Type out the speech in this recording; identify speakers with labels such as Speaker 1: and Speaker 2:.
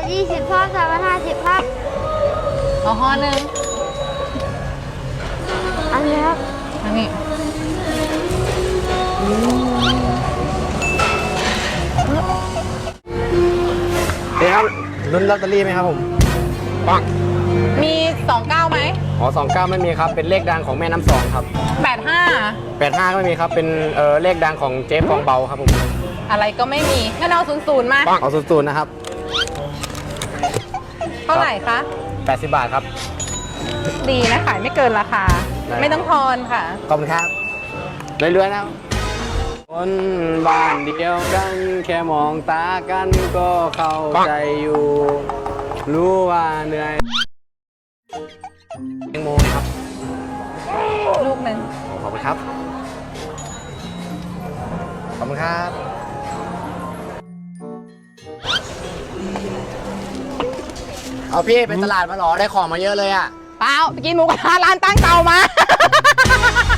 Speaker 1: 320ครับ350ครับ
Speaker 2: เอาห่อหนึ่ง
Speaker 1: อันนี้ครับ
Speaker 2: อันนี้
Speaker 3: เดี๋ยวครับลุ้นลอตเตอรี่ไหมครับผมปัง
Speaker 2: มี29ไหม
Speaker 3: อ๋อ29ไม่มีครับเป็นเลขดังของแม่น้ำสองครับ85ก็ไม่มีครับเป็นเลขดังของเจ๊ฟองเบาครับผม
Speaker 2: อะไรก็ไม่มีงั้นเอา00มา
Speaker 3: เอา00นะครับ
Speaker 2: เท่าไหร่คะ
Speaker 3: 80 บาทครับ
Speaker 2: ดีนะขายไม่เกินราคาไม่ต้องทอนค่ะ
Speaker 3: ขอบคุณครับเรื่อยๆนะคนบ้านเดียวกันแค่มองตากันก็เข้าใจอยู่รู้ว่าเหนื่อยแตงโมครับ
Speaker 2: ลูกหนึ่ง
Speaker 3: ขอบคุณครับขอบคุณครับเอาพี่ไปตลาดมาหรอได้ของมาเยอะเลยอ่ะ
Speaker 2: เปล่าไปกินหมูกระทะร้านตั้งเตามา